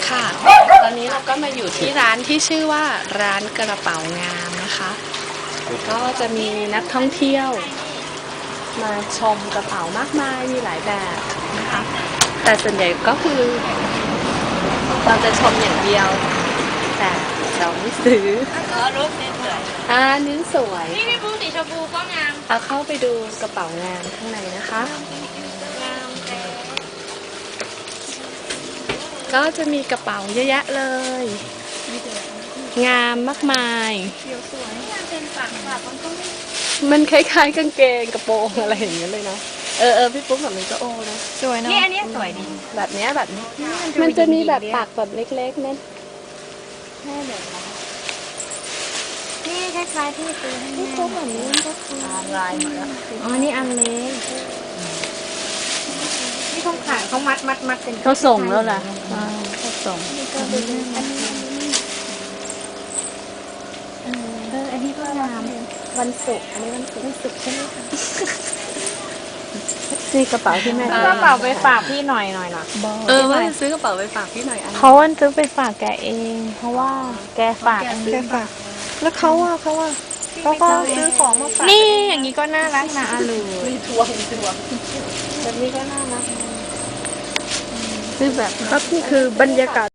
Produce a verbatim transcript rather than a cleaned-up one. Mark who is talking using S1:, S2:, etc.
S1: ค่ะตอนนี้เราก็มาอยู่ที่ร้านที่ชื่อว่าร้านกระเป๋างามนะคะก็จะมีนักท่องเที่ยวมาชมกระเป๋ามากมายมีหลายแบบนะคะแต่ส่วนใหญ่ก็คือเราจะชมอย่างเดียวแต่เราไม่ซื้อ
S2: เออรูปนี้สวย
S1: อ่านิ้นสวย
S2: นี่พี่บูสีชมพูก็งาม
S1: เอาเข้าไปดูกระเป๋างานข้างในนะคะ
S2: งามแต่
S1: ก็จะมีกระเป๋าเยอะแยะเลย งามมากมาย
S2: เขียวสวยงามเป็นปากปากมันก็ไม่
S1: มันคล้ายๆกางเกงกระโปรงอะไรอย่างเงี้ยเลยนะเออเออพี่ปุ๊บแบบนี้ก็โอนะ
S3: สวยเนาะ
S2: นี่อันนี้สวยดี
S1: แบบเนี้ยแบบนี้มันจะมีแบบปากแบบเล็กๆนั่นแค่แบบนี้
S2: นี่คล้ายๆที่ซื้อให้
S1: พี่
S2: แม่
S1: ปุ๊บแบบนี้มันก็คือ
S2: ลายหมดแล้วอ๋อนี่อันเล็กนี่เขาขายเขามัดมัดมัดเป็น
S3: เขาส่งแล้วล่ะเขาส่ง
S2: นี่ก็เป็นอันนี้เอออันนี้ก็งาม
S1: วันศุกร์อันนี้วันศุกร์
S2: รู้สึกใช่ไหมคะ
S3: ซื้อกระเป๋าที่แม่
S2: กระเป๋าไปฝากพี่หน่อยหน่อยหน่อย
S1: เออว่าจะซื้อกระเป๋าไปฝากพี่หน่อยอัน
S3: เขาวันซื้อไปฝากแกเอง เพราะว่าแกฝากแกฝาก แล้วเขาอ่ะเขาอ่ะเขาก็ซื้อของมาฝากนี่อย่างนี้ก็น่ารักนะอาลู
S1: มีทวงทวงแบบนี้ก็น่ารัก
S3: ซื้อแบบ
S1: ครับนี่คือบรรยากาศ